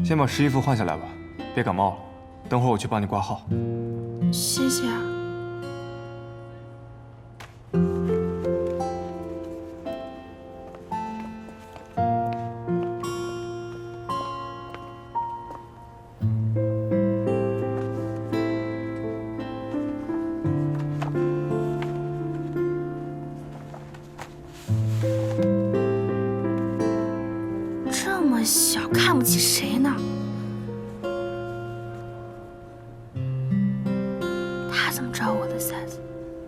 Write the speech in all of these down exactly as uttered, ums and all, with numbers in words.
先把湿衣服换下来吧，别感冒了。等会儿我去帮你挂号。 谢谢啊。这么小，看不起谁呢？他怎么知道我的 size？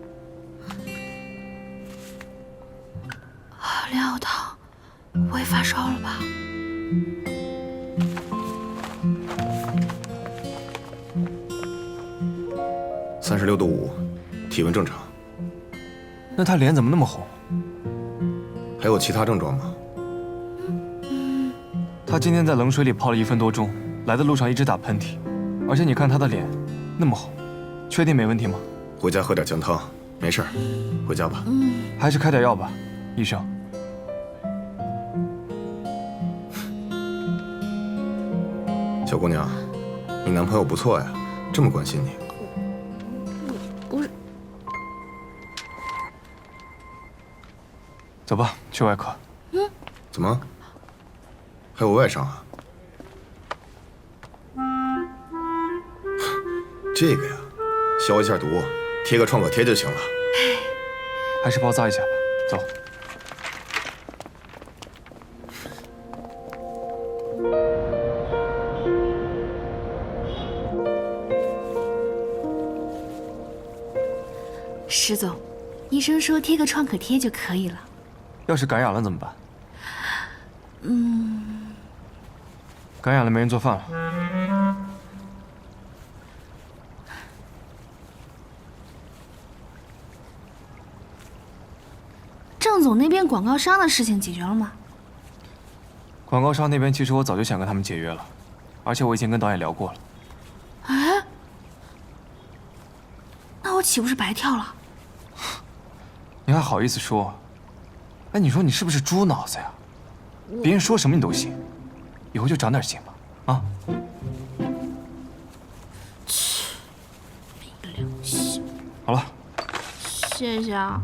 啊，莲藕汤，不会发烧了吧？ 三十六度五，体温正常。 那他脸怎么那么红？ 还有其他症状吗？ 他今天在冷水里泡了一分多钟，来的路上一直打喷嚏，而且你看他的脸那么红，确定没问题吗？ 回家喝点姜汤，没事儿，回家吧。 还是开点药吧，医生。 小姑娘，你男朋友不错呀，这么关心你。 不是， 走吧，去外科。 怎么？还有外伤啊？这个呀，消一下毒，贴个创可贴就行了。 还是包扎一下吧。走。 石总，医生说贴个创可贴就可以了。 要是感染了怎么办？ 嗯， 感染了没人做饭了。 郑总那边广告商的事情解决了吗？ 广告商那边其实我早就想跟他们解约了，而且我已经跟导演聊过了。 哎，那我岂不是白跳了？ 你还好意思说？哎，你说你是不是猪脑子呀？别人说什么你都信，以后就长点心吧，啊！ 切，没良心。 好了， 谢谢啊。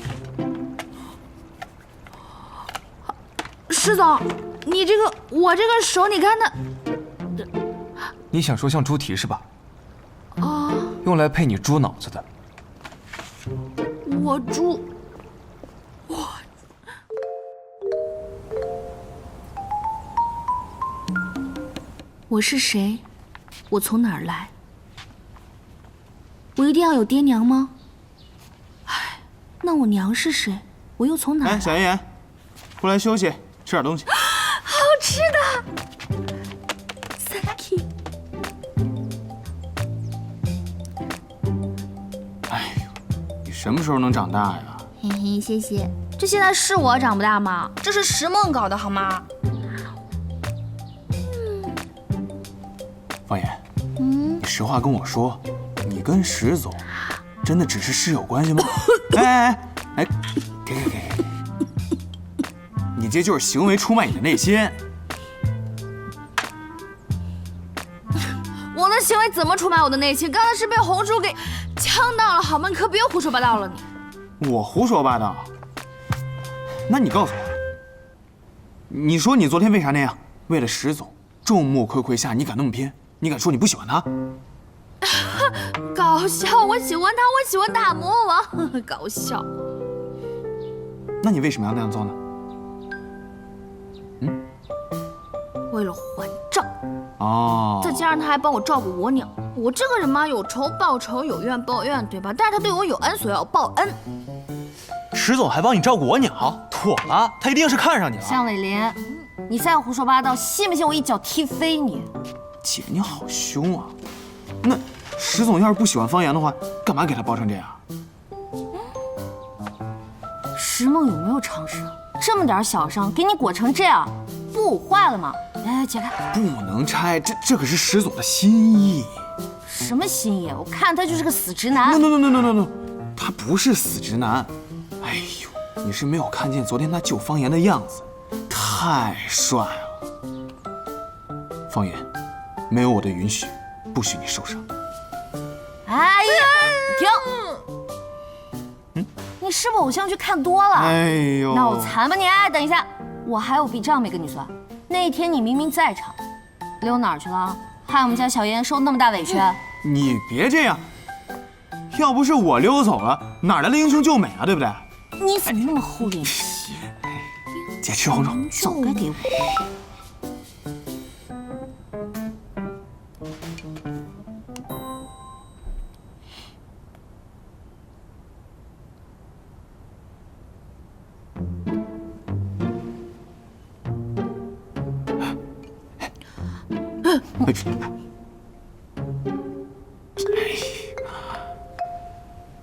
石总，你这个我这个手，你看它。 你想说像猪蹄是吧？ 啊， 用来配你猪脑子的。 我猪，我。我是谁？我从哪儿来？我一定要有爹娘吗？唉，那我娘是谁？我又从哪儿来？ 哎，小妍妍，过来休息，吃点东西。 好吃的 ，thank you。 哎呦，你什么时候能长大呀？ 嘿嘿，谢谢。这现在是我长不大吗？这是石梦搞的好吗？ 方言， 嗯， 你实话跟我说，你跟石总真的只是室友关系吗？哎哎哎，给给给给，你这就是行为出卖你的内心。 我的行为怎么出卖我的内心？刚才是被红薯给呛到了，好吗？你可别胡说八道了你。 我胡说八道？那你告诉我，你说你昨天为啥那样？为了石总，众目睽睽下你敢那么拼？你敢说你不喜欢他？ 搞笑！我喜欢他，我喜欢大魔王，搞笑。 那你为什么要那样做呢？ 嗯，为了还账。 哦。 再加上他还帮我照顾我娘，我这个人嘛，有仇报仇，有怨报怨，对吧？但是他对我有恩，所以要报恩。 石总还帮你照顾我鸟，妥了，他一定是看上你了。 向伟林，你再胡说八道，信不信我一脚踢飞你？ 姐，你好凶啊！那石总要是不喜欢方言的话，干嘛给他包成这样？ 石梦有没有常识？这么点小伤，给你裹成这样，不捂坏了吗？来，解开。 不能拆，这这可是石总的心意。 什么心意？我看他就是个死直男。 no no no no no no， 他不是死直男。哎呦，你是没有看见昨天他救方言的样子，太帅了。 方言，没有我的允许，不许你受伤。 哎呀，停！嗯，你是不是偶像剧看多了？ 哎呦， 脑残吧你！哎，等一下，我还有笔账没跟你算。那天你明明在场，溜哪儿去了？害我们家小妍受那么大委屈。 你别这样，要不是我溜走了，哪来的英雄救美啊？对不对？ 你怎么那么厚脸皮？ 姐吃红肉， 早该给我。 哎